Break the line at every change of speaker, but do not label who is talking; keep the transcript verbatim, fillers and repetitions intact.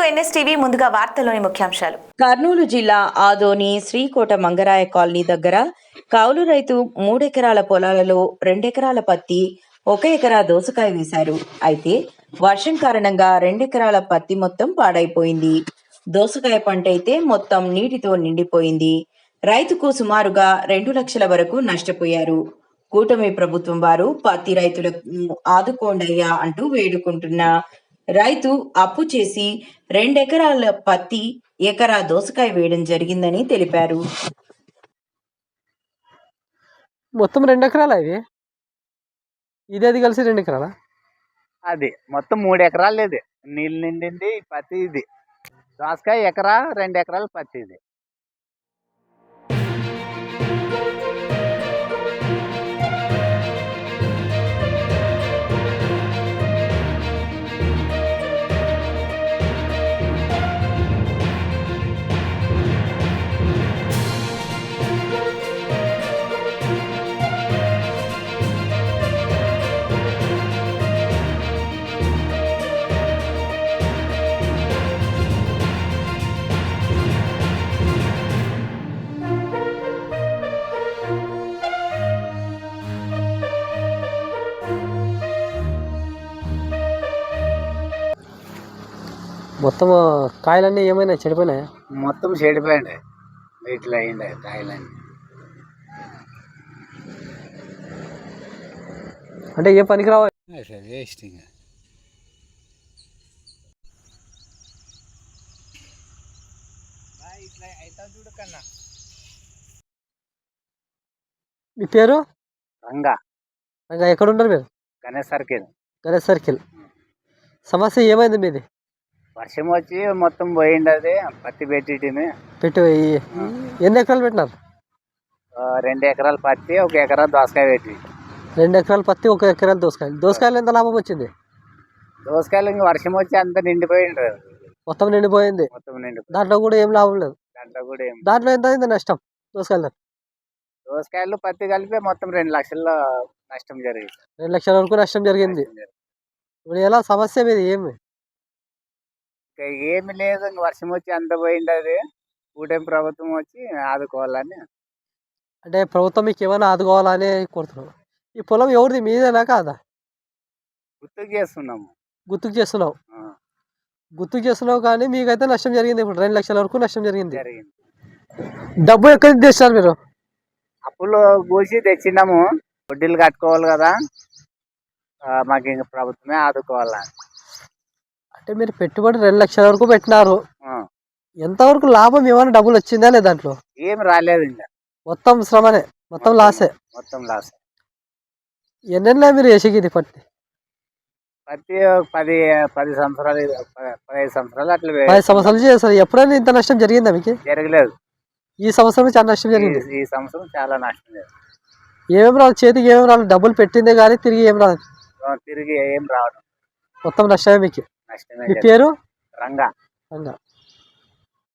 NSTV ముందుగా వార్తల్లోని ముఖ్యాంశాలు.
కర్నూలు జిల్లా ఆదోని శ్రీకోట మంగరాయ కాలనీ దగ్గర కౌలు రైతు మూడెకరాల పొలాలలో రెండెకరాల పత్తి, ఒక ఎకరా దోసకాయ వేశారు. అయితే వర్షం కారణంగా రెండెకరాల పత్తి మొత్తం పాడైపోయింది. దోసకాయ పంట అయితే మొత్తం నీటితో నిండిపోయింది. రైతుకు సుమారుగా రెండు లక్షల వరకు నష్టపోయారు. కూటమి ప్రభుత్వం వారు పత్తి రైతులను ఆదుకోండయ్యా అంటూ వేడుకుంటున్న రైతు అప్పు చేసి రెండెకరాల పత్తి, ఎకరా దోసకాయ వేయడం జరిగిందని తెలిపారు.
మొత్తం రెండు ఎకరాల ఇది ఇది అది కలిసి రెండు ఎకరాల
అది మొత్తం మూడు ఎకరాలు. ఇది నీళ్ళు నిండింది పత్తి. ఇది దోసకాయ ఎకరా రెండు ఎకరాలు పత్తి. ఇది
మొత్తం కాయలన్నీ ఏమైనా చెడిపోయినాయా?
మొత్తం చెడిపోయింది. వీటిలో అయింది కాయలన్నీ.
అంటే ఏ పనికి రావాలి?
వేస్ట్. ఇంకా
మీ పేరు?
రంగా.
రంగా. ఎక్కడ ఉంటారు మీరు?
గణేష్ సర్కిల్.
గణేష్ సర్కిల్. సమస్య ఏమైంది మీది?
వర్షం వచ్చి మొత్తం పోయింది. అది పత్తి పెట్టి
పెట్టి ఎన్ని ఎకరాలు పెట్టినారు?
రెండు ఎకరాలు పత్తి, ఒక ఎకరా దోసకాయ పెట్టి.
రెండు ఎకరాలు పత్తి, ఒక ఎకరాలు దోసకాయలు. దోసకాయలు ఎంత లాభం వచ్చింది?
దోసకాయలు ఇంకా వర్షం వచ్చి అంత నిండిపోయింది.
మొత్తం నిండిపోయింది.
మొత్తం నిండి
దాంట్లో కూడా ఏం లాభం లేదు.
దాంట్లో కూడా ఏం
దాంట్లో ఎంత అయింది నష్టం? దోసకాయలు
దోసకాయలు పత్తి కలిపి మొత్తం రెండు లక్షల నష్టం జరిగింది.
రెండు లక్షల వరకు నష్టం జరిగింది. ఇప్పుడు ఎలా సమస్య మీది ఏమి?
ఏమి లేదు. ఇంక వర్షం వచ్చి అంత పోయింది. అది కూటమి ప్రభుత్వం వచ్చి ఆదుకోవాలని.
అంటే ప్రభుత్వం మీకు ఏమైనా ఆదుకోవాలని కోరుతున్నాం. ఈ పొలం ఎవరిది, మీదేనా కాదా?
గుర్తుకు చేస్తున్నాము.
గుర్తుకు చేస్తున్నావు గుర్తుకు చేస్తున్నావు కానీ మీకైతే నష్టం జరిగింది. ఇప్పుడు రెండు లక్షల వరకు నష్టం జరిగింది.
జరిగింది.
డబ్బు ఎక్కడి నుంచి తెచ్చారు మీరు?
అప్పులు కూసి తెచ్చినాము. వడ్డీలు కట్టుకోవాలి కదా. మాకు ఇంక ప్రభుత్వమే ఆదుకోవాలని.
అంటే మీరు పెట్టుబడి రెండు లక్షల వరకు పెట్టినారు. ఎంతవరకు లాభం ఏమైనా డబ్బులు వచ్చిందా లేదా? దాంట్లో
ఏమి రాలేదు. ఇంకా
మొత్తం శ్రమనే, మొత్తం లాసే.
మొత్తం లాస్.
ఎన్నెన్నా మీరు వేసేది పత్తి?
పత్తి పది పది సంవత్సరాలు పదిహేను సంవత్సరాలు అట్లా
పది సంవత్సరాలు చేస్తారు. ఎప్పుడైనా ఇంత నష్టం జరిగిందా మీకు?
జరగలేదు.
ఈ సంవత్సరం చాలా నష్టం జరిగింది.
ఈ సంవత్సరం చాలా నష్టం జరిగింది.
ఏమేమి రాదు చేతికి, ఏమేమి రాదు. డబ్బులు పెట్టిందే కానీ తిరిగి ఏం రాదు.
తిరిగి ఏం రావడం.
మొత్తం నష్టమే మీకు.
నష్టమే.
మీ పేరు?
రంగా.
రంగా.